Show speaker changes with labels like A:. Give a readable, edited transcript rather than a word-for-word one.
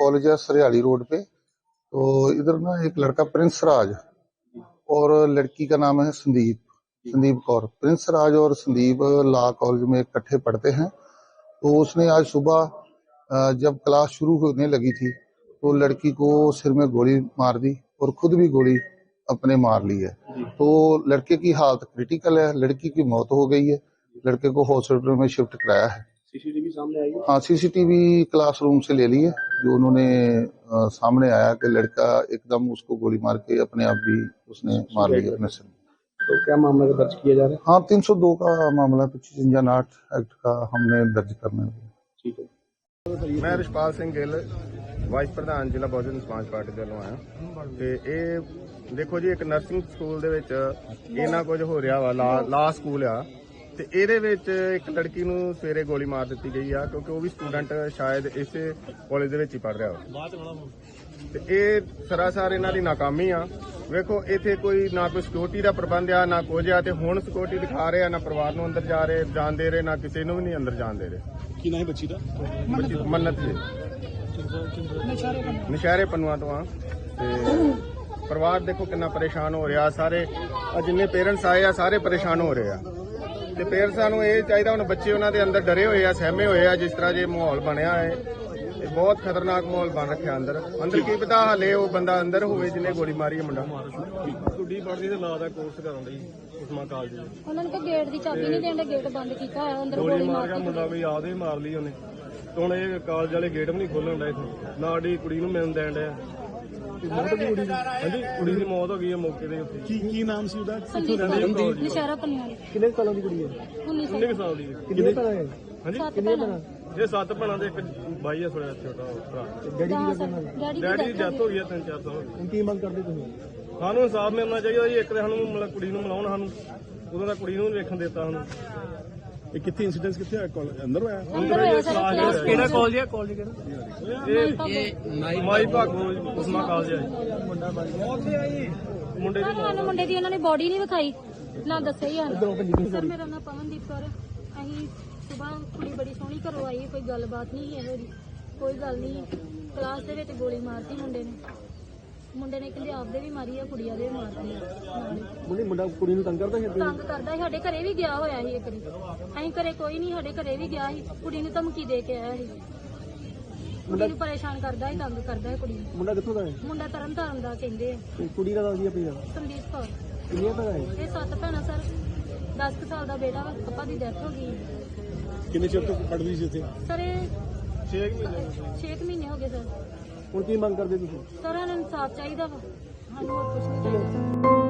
A: College है सरियाली road पे। तो इधर ना एक लड़का प्रिंस राज और लड़की का नाम है संदीप कौर। प्रिंस राज और संदीप लॉ कॉलेज में इकट्ठे पढ़ते हैं। तो उसने आज सुबह जब क्लास शुरू होने लगी थी तो लड़की को सिर में गोली मार दी और खुद भी गोली अपने मार ली है। तो लड़के की हालत क्रिटिकल है, लड़की की मौत हो गई है। लड़के को हॉस्पिटल में शिफ्ट कराया है।
B: सीसीटीवी सामने आई है?
A: हाँ, सीसीटीवी क्लासरूम से ले ली है। जो उन्होंने सामने आया कि लड़का एकदम उसको गोली मार के अपने आप भी उसने मार लिया अपने सिर में।
B: तो क्या मामला दर्ज किया जा रहा है?
A: हाँ, 302 का मामला 2558 एक्ट का हमने दर्ज करना है।
B: ठीक है।
C: मैं रिशपाल सिंह गिल वाइस प्रधान ਜ਼ਿਲ੍ਹਾ ਬਹੁਜਨ ਸਮਾਜ ਪਾਰਟੀ ਦੇ ਵੱਲੋਂ ਆਇਆ ਤੇ ਇਹ ਦੇਖੋ ਜੀ ਇੱਕ ਨਰਸਿੰਗ ਸਕੂਲ ਦੇ ਵਿੱਚ ਇਹਨਾਂ ਕੁਝ ਹੋ ਰਿਹਾ ਵਾ ਲਾ ਸਕੂਲ ਆ ਤੇ ਇਹਦੇ ਵਿੱਚ ਇੱਕ ਲੜਕੀ ਨੂੰ ਸਵੇਰੇ ਗੋਲੀ ਮਾਰ ਦਿੱਤੀ ਗਈ ਆ ਕਿਉਂਕਿ ਉਹ ਵੀ ਸਟੂਡੈਂਟ ਸ਼ਾਇਦ ਇਸੇ ਕਾਲਜ ਦੇ ਵਿੱਚ ਹੀ ਪੜ ਰਿਹਾ ਵਾ ਤੇ ਇਹ ਸਰਾਸਰ ਇਹਨਾਂ ਦੀ ਨਾਕਾਮੀ ਆ। ਵੇਖੋ ਇੱਥੇ ਕੋਈ ਨਾ ਕੋਈ ਸਿਕਿਉਰਿਟੀ ਦਾ ਪ੍ਰਬੰਧ ਆ ਨਾ ਕੁਝ ਆ ਤੇ ਹੁਣ ਸਿਕਿਉਰਿਟੀ ਦਿਖਾ ਰਹੇ ਆ ਨਾ ਪਰਿਵਾਰ ਨੂੰ ਅੰਦਰ ਜਾਣ ਦੇ ਰਹੇ ਨਾ ਕਿਸੇ ਨੂੰ ਵੀ ਨਹੀਂ ਅੰਦਰ ਜਾਣ ਦੇ ਰਹੇ।
B: ਕੀ ਨਾਮ ਹੈ ਬੱਚੀ ਦਾ?
C: ਬੱਚੀ ਮੰਨਤ ਜੀ ਨਸ਼ਹਿਰੇ ਪੰਨੂਆਂ ਤੋਂ ਆ ਤੇ ਪਰਿਵਾਰ ਦੇਖੋ ਕਿੰਨਾ ਪਰੇਸ਼ਾਨ ਹੋ ਰਿਹਾ। ਸਾਰੇ ਜਿੰਨੇ ਪੇਰੈਂਟਸ ਆਏ ਆ ਸਾਰੇ ਪਰੇਸ਼ਾਨ ਹੋ ਰਹੇ ਆ ਤੇ ਪੇਰੈਂਟਸਾਂ ਨੂੰ ਇਹ ਚਾਹੀਦਾ ਹੁਣ ਬੱਚੇ ਉਹਨਾਂ ਦੇ ਅੰਦਰ ਡਰੇ ਹੋਏ ਆ ਸਹਿਮੇ ਹੋਏ ਆ। ਜਿਸ ਤਰ੍ਹਾਂ ਜੇ ਮਾਹੌਲ ਬਣਿਆ ਹੈ ਇਹ ਬਹੁਤ ਖਤਰਨਾਕ ਮਾਹੌਲ ਬਣ ਰੱਖਿਆ ਅੰਦਰ ਕੀ ਪਤਾ ਹਲੇ ਉਹ ਬੰਦਾ ਅੰਦਰ ਹੋਵੇ ਜਿਹਨੇ ਗੋਲੀ ਮਾਰੀ ਹੈ ਮੁੰਡਾ।
B: ਕੁੜੀ ਪੜ੍ਹਦੀ ਤੇ ਲਾ ਦਾ ਕੋਰਸ ਕਰਨ ਲਈ ਉਸਮਾ ਕਾਲਜ ਦੇ
D: ਉਹਨਾਂ ਨੇ ਗੇਟ ਦੀ ਚਾਬੀ ਨਹੀਂ ਦੇਣ ਦੇ ਗੇਟ ਬੰਦ ਕੀਤਾ ਹੋਇਆ ਅੰਦਰ ਗੋਲੀ ਮਾਰ ਕੇ
B: ਮੁੰਡਾ ਕੋਈ ਆਦੇ ਮਾਰ ਲਈ ਉਹਨੇ। ਹੁਣ ਇਹ ਕਾਲਜ ਵਾਲੇ ਗੇਟ ਵੀ ਨਹੀਂ ਖੋਲਣ ਡਏ ਇੱਥੇ ਨਾ ਸਾਡੀ ਕੁੜੀ ਨੂੰ ਮਿਲਣ ਦੇਣ ਡਿਆ। ਹਾਂਜੀ ਕੁੜੀ ਦੀ ਮੌਤ ਹੋ ਗਈ ਹੈ ਮੌਕੇ ਦੇ ਉੱਤੇ। ਕੀ ਨਾਮ ਸੀ ਉਹਦਾ?
D: ਨਸ਼ਹਿਰਾ ਪੰਨੂਆਂ ਦੀ।
B: ਕਿੰਨੇ ਸਾਲਾਂ ਦੀ ਕੁੜੀ ਹੈ?
D: 19
B: ਸਾਲ ਦੀ। ਕਿੰਨੇ ਭੈਣਾਂ ਹੈ? ਹਾਂਜੀ
D: ਕਿੰਨੇ ਭੈਣਾਂ?
B: ਇਹ 7 ਭੈਣਾਂ ਦੇ ਇੱਕ ਬਾਈ ਹੈ ਥੋੜਾ ਛੋਟਾ ਭਰਾ। ਡੈਡੀ ਦੀ ਡੈਥ ਹੋ ਗਈ ਹੈ 3-4 ਸਾਲ। ਹੁਣ ਕੀ ਮੰਗ ਕਰਦੇ ਤੁਸੀਂ? ਸਾਨੂੰ ਇਨਸਾਫ ਮਿਲਣਾ ਚਾਹੀਦਾ ਜੀ। ਇੱਕ ਤਾਂ ਸਾਨੂੰ ਮਤਲਬ ਕੁੜੀ ਨੂੰ ਮਿਲਾਉਣ ਸਾਨੂੰ ਉਦੋਂ ਦਾ ਕੁੜੀ ਨੂੰ ਵੇਖਣ ਦਿੱਤਾ ਸਾਨੂੰ। ਇਹ ਕਿੱਥੇ ਇਨਸੀਡੈਂਟ ਕਿੱਥੇ ਹੋਇਆ? ਅੰਦਰ ਹੋਇਆ? ਕਿਹੜਾ ਕਾਲਜ ਹੈ? ਕਾਲਜ ਕਿਹੜਾ? ਇਹ ਮਾਈ ਭਾਗੋ ਉਸਮਾ ਕਾਲਜ ਹੈ।
D: ਮੁੰਡੇ ਦੀ ਉਹਨਾਂ ਨੇ ਬੋਡੀ ਨਹੀਂ ਵਿਖਾਈ ਨਾ ਦੱਸਿਆ ਹੀ ਹਨ। ਸਰ ਮੇਰਾ ਨਾਮ ਪਵਨਦੀਪ ਕੌਰ। ਅਸੀਂ ਸੁਬਾਹ ਕੁੜੀ ਬੜੀ ਸੋਹਣੀ ਘਰੋਂ ਆਈ, ਕੋਈ ਗੱਲਬਾਤ ਨਹੀਂ ਇਹੋ ਜਿਹੀ, ਕੋਈ ਗੱਲ ਨਹੀਂ। ਕਲਾਸ ਦੇ ਵਿੱਚ ਗੋਲੀ ਮਾਰਤੀ ਮੁੰਡੇ ਨੇ ਕਹਿੰਦੇ ਆਪਦੇ ਵੀ ਮਾਰੀ ਆ ਕੁੜੀਆਂ ਦੇ ਵੀ ਮਾਰਦੀ ਆ।
B: ਮੁੰਡਾ ਕੁੜੀ ਨੂੰ ਤੰਗ ਕਰਦਾ ਸੀ?
D: ਤੰਗ ਕਰਦਾ ਸੀ। ਸਾਡੇ ਘਰੇ ਵੀ ਗਿਆ ਹੋਇਆ ਸੀ ਇੱਕ ਵਾਰੀ। ਅਸੀਂ ਘਰੇ ਕੋਈ ਨਹੀਂ, ਸਾਡੇ ਘਰੇ ਵੀ ਗਿਆ ਸੀ। ਕੁੜੀ ਨੂੰ ਧਮਕੀ ਦੇ ਕੇ ਆਇਆ ਸੀ। ਕੁੜੀ ਨੂੰ ਪਰੇਸ਼ਾਨ ਕਰਦਾ ਸੀ, ਤੰਗ ਕਰਦਾ ਹੈ ਕੁੜੀ ਨੂੰ।
B: ਮੁੰਡਾ ਕਿੱਥੋਂ ਦਾ ਹੈ?
D: ਮੁੰਡਾ ਤਰਨਤਾਰਨ ਦਾ ਕਹਿੰਦੇ ਆ।
B: ਕੁੜੀ ਦਾ ਨਾਮ ਕੀ ਹੈ?
D: ਸੰਦੀਪ ਕੌਰ।
B: ਕਿੰਨੀਆਂ ਭੈਣਾਂ ਹੈ?
D: ਇਹ 7 ਭੈਣਾਂ ਸਰ। 10 ਸਾਲ ਦਾ ਬੇਟਾ ਵਾ, ਪਾਪਾ ਦੀ ਡੈਥ ਹੋ ਗਈ।
B: ਕਿੰਨੇ ਚਿਰ ਤੋਂ ਪੜ੍ਹਦੀ ਸੀ ਇੱਥੇ?
D: ਸਰ ਇਹ
B: 6
D: ਮਹੀਨੇ ਹੋ ਗਏ ਸਰ।
B: ਹੁਣ ਕੀ ਮੰਗ ਕਰਦੇ ਤੁਸੀਂ?
D: ਸਰ ਇਹਨਾਂ ਨੂੰ ਇਨਸਾਫ ਚਾਹੀਦਾ ਵਾ, ਸਾਨੂੰ ਹੋਰ ਕੁਝ ਨਹੀਂ ਚਾਹੀਦਾ।